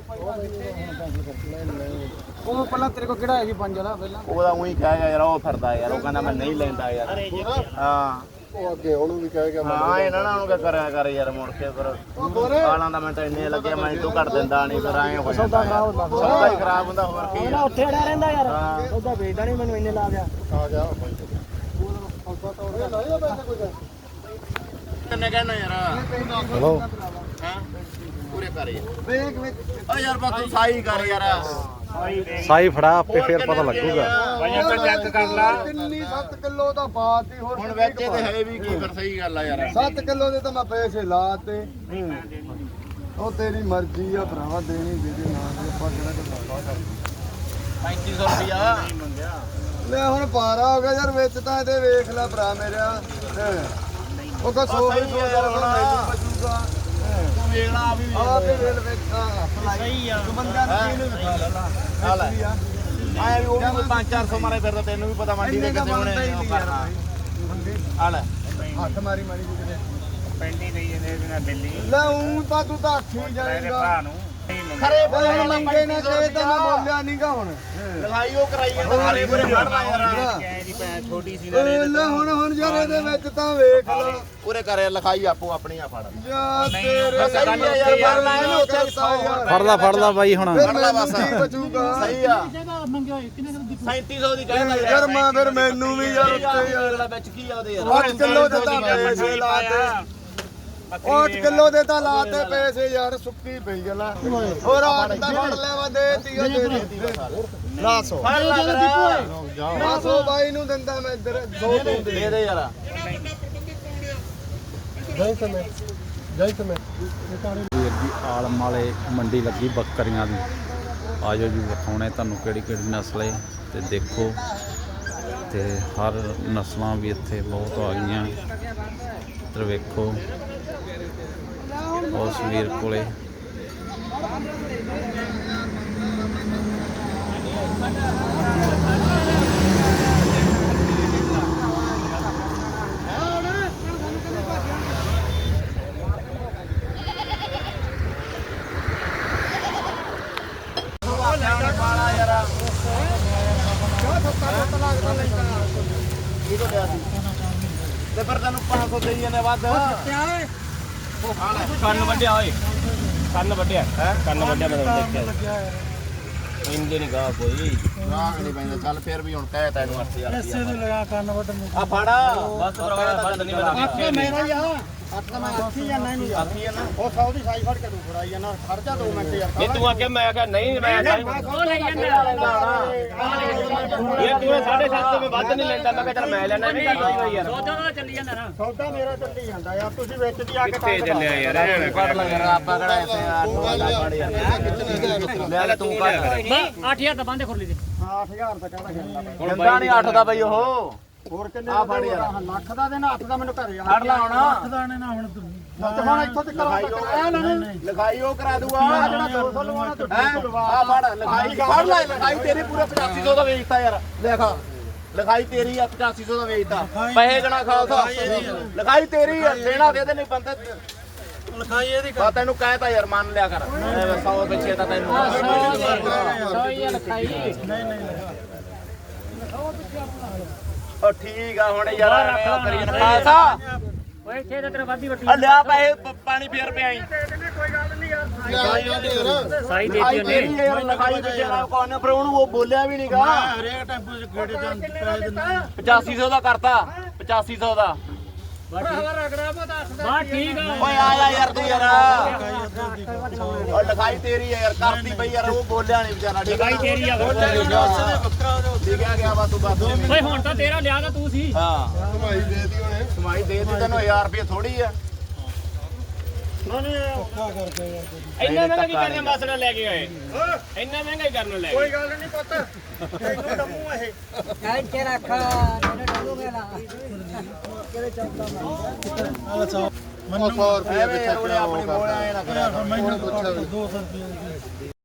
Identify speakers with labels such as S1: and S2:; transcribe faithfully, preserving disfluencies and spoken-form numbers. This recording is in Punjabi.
S1: ਉਹ ਪਹਿਲਾਂ ਤੇਰੇ ਕੋਲ ਕਿਹੜਾ ਹੈ ਜੀ ਪੰਜ ਵਾਲਾ ਪਹਿਲਾਂ
S2: ਉਹਦਾ ਉਹੀ ਕਹਿ ਗਿਆ ਯਾਰ ਉਹ ਫਿਰਦਾ ਯਾਰ ਉਹ ਕਹਿੰਦਾ ਮੈਂ ਨਹੀਂ ਲੈਂਦਾ ਯਾਰ ਹਾਂ
S3: ਉਹ ਅੱਗੇ ਉਹਨੂੰ ਵੀ ਕਹਿ ਗਿਆ
S2: ਹਾਂ ਇਹਨਾਂ ਨਾਲ ਉਹਨੂੰ ਕਰਿਆ ਕਰ ਯਾਰ ਮੁੜ ਕੇ ਫਿਰ ਆਲਾਂ ਦਾ ਮਿੰਟ ਇੰਨੇ ਲੱਗੇ ਮੈਂ ਤੋਂ ਘੱਟ ਦਿੰਦਾ ਨਹੀਂ ਫਿਰ ਐਂ ਹੋ ਜਾਂਦਾ ਸੌਦਾ ਹੀ ਖਰਾਬ ਹੁੰਦਾ ਹੋਰ ਕੀ
S1: ਨਾ ਉੱਥੇ ਅੜਿਆ ਰਹਿੰਦਾ ਯਾਰ ਉਹਦਾ ਵੇਚਦਾ ਨਹੀਂ ਮੈਨੂੰ ਇੰਨੇ ਲਾ ਗਿਆ
S3: ਆ ਗਿਆ
S2: ਕਿੰਨੇ ਕਹਿਣਾ ਯਾਰ
S3: ਹਲੋ
S2: ਹਾਂ ਪੂਰੇ ਕਰ ਯਾਰ ਓ ਯਾਰ ਬਸ ਤੂੰ ਸਾਈ ਕਰ ਯਾਰ
S4: ਸਾਈ ਫੜਾ ਆਪੇ ਫੇਰ ਪਤਾ ਲੱਗੂਗਾ
S2: ਭਾਈ ਆਪਾਂ ਚੈੱਕ ਕਰ ਲਾ
S3: ਕਿੰਨੀ ਸੱਤ ਕਿਲੋ ਦਾ ਬਾਤ ਹੀ ਹੋਰ
S2: ਹੁਣ ਵਿੱਚ ਤੇ ਹੈ ਵੀ ਕੀ ਫਿਰ ਸਹੀ ਗੱਲ ਆ ਯਾਰ
S3: ਸੱਤ ਕਿਲੋ ਦੇ ਤਾਂ ਮੈਂ ਪੈਸੇ ਲਾਤੇ ਉਹ ਤੇਰੀ ਮਰਜ਼ੀ ਆ ਭਰਾਵਾ ਦੇਣੀ ਦੇ ਦੇ ਨਾ ਦੇ ਆਪਾਂ ਕਿਹੜਾ ਕੋਈ ਲਾਵਾ ਕਰ
S2: ਪੈਂਤੀ ਸੌ ਰੁਪਿਆ ਮੰਗਿਆ
S3: ਲੈ ਹੁਣ ਪਾਰਾ ਹੋ ਗਿਆ ਯਾਰ ਵਿੱਚ ਤਾਂ ਇਹਦੇ ਵੇਖ ਲੈ ਭਰਾ ਮੇਰਾ ਉਹ ਕੋ ਸੌ ਰੁਪਏ ਯਾਰ ਮੈਨੂੰ ਬਚੂਗਾ
S2: ਤੂੰ ਵੇਖਣਾ ਆ ਵੀ
S3: ਆ ਤੇ ਵੇਲ ਵੇਖਾਂ
S2: ਸਹੀ ਆ
S3: ਤੂੰ ਬੰਦਾ ਦੀ ਨੂੰ ਵਿਖਾ ਲੈ ਲਾ
S2: ਆ ਲੈ ਆਇਆ ਵੀ ਉਹ ਵੀ ਪੰਜ ਚਾਰ ਸੌ ਮਾਰੇ ਫਿਰਦਾ ਤੈਨੂੰ ਵੀ ਪਤਾ ਮੰਡੀ ਦੇ ਕਿੱਥੇ ਹੋਣੇ ਉਹ ਕਰਨਾ ਆ ਲੈ
S3: ਹੱਥ ਮਾਰੀ ਮਾਰੀ ਕਿਤੇ
S1: ਪੈਂਦੀ ਨਹੀਂ ਇਹਦੇ ਬਿਨਾ ਦਿੱਲੀ
S3: ਲੈ ਉਂ ਤਾਂ ਤੂੰ ਤਾਂ ਅੱਖੀ ਜਾਏਗਾ
S1: ਨੂੰ
S2: ਖਰੇ
S3: ਬਈ ਮੰਗੇ ਨਾ ਕਹੇ ਤਾਂ ਮੈਂ ਬੋਲਿਆ ਨਹੀਂਗਾ ਹੁਣ
S2: ਲਗਾਈ ਉਹ ਕਰਾਈ ਜਾਂਦਾ ਖਰੇ ਪੂਰੇ ਫੜਨਾ ਯਾਰ
S1: ਦੀ ਪੈ ਛੋਟੀ ਸੀ
S3: ਓਏ ਲੈ ਹੁਣ ਹੁਣ ਯਾਰ ਇਹਦੇ ਵਿੱਚ ਤਾਂ ਵੇਖ ਲਾ
S2: ਪੂਰੇ ਕਰੇ ਲਿਖਾਈ ਆਪੋ ਆਪਣੀ ਆ ਫੜ
S3: ਜਾ ਤੇਰੇ
S2: ਸਹੀ ਆ ਯਾਰ ਫੜਨਾ ਇਹਨੂੰ ਉੱਥੇ
S4: ਫੜ ਲਾ ਫੜ ਲਾ ਬਾਈ ਹੁਣ
S3: ਫਿਰ ਮੈਨੂੰ ਕੀ ਬਚੂਗਾ
S2: ਸਹੀ ਆ ਸੈਂਤੀ ਸੌ ਦੀ ਕਹਿੰਦਾ
S3: ਯਾਰ ਮੈਂ ਫਿਰ ਮੈਨੂੰ ਵੀ ਯਾਰ ਉੱਤੇ ਯਾਰ
S2: ਅਗਲਾ ਵਿੱਚ ਕੀ ਆ ਉਹਦੇ ਯਾਰ
S3: ਅੱਠ ਕਿਲੋ ਦੇ ਤਾਂ ਪੈਸੇ ਲਾਤੇ ਅੱਠ ਕਿਲੋ ਦੇ ਤਾਂ ਲਾਤੇ ਪੈਸੇ ਯਾਰ ਸੁੱਕੀ ਪਈ ਗਲਾ ਹੋਰ ਅੱਠ ਤਾਂ ਫੜ ਲੈਵਾ ਦੇ ਤੀਆ ਦੇ ਦਿੱਤੀ ਨਾ ਸੌ
S2: ਫੜ ਲਾ
S3: ਨਾ ਸੌ ਬਾਈ ਨੂੰ ਦਿੰਦਾ ਮੈਂ ਇੱਧਰ ਦੋ ਦੋ ਦੇ
S2: ਦੇ ਦੇ ਯਾਰ
S3: ਜੈ ਸਮੇਂ ਜੈ ਸਮੇਂ
S4: ਵੀਰ ਜੀ ਆਲਮ ਵਾਲੇ ਮੰਡੀ ਲੱਗੀ ਬੱਕਰੀਆਂ ਦੀ ਆਜੋ ਜੀ ਵਿਖਾਉਣੇ ਤੁਹਾਨੂੰ ਕਿਹੜੀ ਕਿਹੜੀ ਨਸਲ ਹੈ ਤੇ ਦੇਖੋ ਤੇ ਹਰ ਨਸਲਾਂ ਵੀ ਇੱਥੇ ਬਹੁਤ ਆ ਗਈਆਂ ਇੱਧਰ ਵੇਖੋ ਉਸ ਵੀਰ ਕੋਲੇ
S2: ਤੇ ਫਿਰ ਤੈਨੂੰ ਪੰਜ ਸੌ ਦੇਈ ਜਾਂਦੇ ਵੱਧ
S1: ਕੰਨ ਵੱਡਿਆ ਓਏ ਕੰਨ ਵੱਡਿਆ ਹੈ ਕੰਨ ਵੱਡਿਆ ਮੈਂ ਦੇਖਿਆ ਇੰਦੇ ਨਹੀਂ ਗਾ ਕੋਈ
S2: ਰਾਗ ਨਹੀਂ ਪੈਂਦਾ ਚੱਲ ਫਿਰ ਵੀ ਹੁਣ ਕਹਿ ਤੈਨੂੰ ਅੱਠ ਹਜ਼ਾਰ
S1: ਐਸੇ ਨੂੰ ਲਗਾ ਕੰਨ ਵੱਡ ਨੂੰ
S2: ਆ ਫੜਾ ਬਸ
S1: ਭਰਾਵਾ ਬੰਦ ਨਹੀਂ ਮੈਂ ਦੇਖਿਆ
S3: ਮੇਰਾ ਹੀ ਆ ਅੱਠ ਤਾਂ ਮੈਂ ਅੱਠੀ ਜਾਣਾ ਨਹੀਂ
S2: ਆਖੀ ਹੈ ਨਾ
S3: ਉਹ ਸੌ ਦੀ ਸਾਈ ਫੜ ਕੇ ਤੂੰ ਫੜਾਈ ਜਾਣਾ ਖੜ ਜਾ ਦੋ ਮਿੰਟ ਯਾਰ
S1: ਇਹ ਤੂੰ ਆਖਿਆ ਮੈਂ ਕਿਹਾ ਨਹੀਂ ਮੈਂ ਉਹ ਲੈ ਜਾਂਦਾ ਇਹ ਤੂੰ ਸਾਢੇ ਸੱਤ ਤੋਂ ਮੈਂ ਵੱਧ ਨਹੀਂ ਲੈਂਦਾ ਮੈਂ ਕਿਹਾ ਚੱਲ ਮੈਂ ਲੈਣਾ ਨਹੀਂ ਕਰਦਾ ਯਾਰ ਸੌਦਾ ਦਾ ਚੱਲੀ ਜਾਂਦਾ ਨਾ
S3: ਸੌਦਾ ਮੇਰਾ ਚੱਲੀ ਜਾਂਦਾ ਯਾਰ ਤੁਸੀਂ ਵਿੱਚ ਦੀ ਆ ਕੇ
S1: ਕਿੱਥੇ ਚੱਲਿਆ ਯਾਰ
S2: ਕਰ ਲੈ ਯਾਰ ਆਪਾਂ ਕਿਹੜਾ ਐਸੇ ਅੱਠ ਹਜ਼ਾਰ ਫੜ ਯਾਰ ਲੈ ਲੈ ਤੂੰ ਕਰ
S1: ਅੱਠ ਹਜ਼ਾਰ ਤਾਂ ਬੰਦੇ ਖੁਰਲੀ ਦੇ
S3: ਅੱਠ ਹਜ਼ਾਰ ਤਾਂ ਕਹਿੰਦਾ ਜਾਂਦਾ
S2: ਦਿੰਦਾ ਨਹੀਂ ਅੱਠ ਦਾ ਬਈ ਉਹ
S3: ਹੋਰ ਕਿੰਨੇ
S2: ਆ ਫੜ ਯਾਰ
S3: ਲੱਖ ਦਾ ਦੇਣਾ ਅੱਠ ਦਾ ਮੈਨੂੰ ਘਰੇ ਆ
S2: ਫੜ ਲਾ ਹੁਣ
S3: ਲੱਖ ਦਾ ਨੇ ਨਾ ਹੁਣ ਤੂੰ ਹੁਣ ਇੱਥੋਂ ਤੇ ਕਰਵਾ
S2: ਲਿਖਾਈ ਉਹ ਕਰਾ ਦੂਗਾ ਜਿਹੜਾ
S3: ਦੋ ਸੌ ਲਵਾਉਣਾ ਤੂੰ
S2: ਆ ਫੜ ਲਿਖਾਈ ਫੜ ਲੈ ਲਿਖਾਈ ਤੇਰੀ ਪੂਰੇ ਪਚਾਸੀ ਸੌ ਦਾ ਵੇਚਤਾ ਯਾਰ ਦੇਖ ਲਿਖਾਈ ਤੇਰੀ ਆ ਪਚਾਸੀ ਸੌ ਦਾ ਵੇਚਤਾ ਪੈਸੇ ਗਣਾ ਖਾਲਸਾ ਲਿਖਾਈ ਤੇਰੀ ਆ ਦੇਣਾ ਦੇ ਦੇ ਨਹੀਂ ਬੰਦੇ
S1: ਲਿਖਾਈ ਇਹਦੀ
S2: ਆ ਤੈਨੂੰ ਕਹਿਤਾ ਯਾਰ ਮੰਨ ਲਿਆ ਕਰ ਸੌ ਪਿੱਛੇ ਤਾਂ ਤੈਨੂੰ
S1: ਸੌ ਹੀ ਲਿਖਾਈ ਨਹੀਂ ਨਹੀਂ
S2: ਉਹ ਠੀਕ ਆ ਹੁਣ ਯਾਰ ਐਵੇਂ ਉਹ ਕਰੀ ਜਾਂਦਾ ਖਾਲਸਾ
S1: ਓਏ ਇੱਥੇ ਤਾਂ ਤੇਰਾ ਵਾਦੀ ਵੱਟੀ
S2: ਆ ਲਿਆ ਪੈਸੇ ਪ- ਪਾਣੀ ਫੇਰ ਪਿਆਈ
S1: ਸਾਈ
S2: ਲਿਖਾਈ ਤੇਰੀ ਆ ਯਾਰ ਲਿਖਾਈ ਤੇ ਜਿਹੜਾ ਕੋਨੇ ਪਰ ਉਹਨੂੰ ਉਹ ਬੋਲਿਆ ਵੀ ਨਹੀਂਗਾ
S3: ਹਰੇਕ ਟੈਂਪੂ ਚ ਗੇੜੇ ਜਾਂ ਪੈਸੇ ਦਿੰਦਾ
S2: ਪਚਾਸੀ ਸੌ ਦਾ ਕਰਤਾ ਪਚਾਸੀ ਸੌ ਦਾ
S1: ਬਾ ਠੀਕ ਆ
S2: ਓਏ ਆ ਜਾ ਯਾਰ ਤੂੰ ਯਾਰ ਉਹ ਲਿਖਾਈ ਤੇਰੀ ਆ ਯਾਰ ਕਰਤੀ ਬਈ ਯਾਰ ਉਹ ਬੋਲਿਆ ਨਹੀਂ ਵਿਚਾਰਾ ਠੀਕ ਆ
S1: ਤੇਰੀ ਆ
S2: ਲਿਖਿਆ ਗਿਆ ਵਾ ਤੂੰ ਬਸ
S1: ਓਏ ਹੁਣ ਤਾਂ ਤੇਰਾ ਲਿਆ ਤਾਂ ਤੂੰ ਸੀ
S2: ਹਾਂ
S3: ਕਮਾਈ ਦੇਤੀ ਉਹਨੇ
S2: ਕਮਾਈ ਦੇ ਦਿੱਤੀ ਤੈਨੂੰ ਹਜ਼ਾਰ ਰੁਪਏ ਥੋੜੀ ਆ
S3: ਔਖਾ ਕਰਦੇ ਯਾਰ
S1: ਇੰਨਾ ਮਹਿੰਗਾ ਕੀ ਕਰਨੇ ਮਸਲਾ ਲੈ ਕੇ ਆਏ ਇੰਨਾ ਮਹਿੰਗਾ ਹੀ ਕਰਨ ਲੈ
S3: ਕੋਈ ਗੱਲ ਨਹੀਂ ਪੁੱਤ ਇੱਥੋਂ ਡੰਮੂ ਇਹ
S5: ਕਾਇ ਕੇ ਰੱਖਾ ਤੇਰੇ ਡੰਗੂ ਮੇਲਾ ਕਿਹੜੇ ਚੌਕਾ ਮਾਰ
S3: ਮੈਨੂੰ ਸੌ ਰੁਪਏ
S2: ਐਵੇਂ ਯਾਰ ਉਹਨੇ ਆਪਣੀ ਬੋਲਿਆ ਇਹ ਨਾ ਕਰਿਆ ਕਰ।
S3: ਮੈਨੂੰ ਦੋ ਸੌ ਰੁਪਏ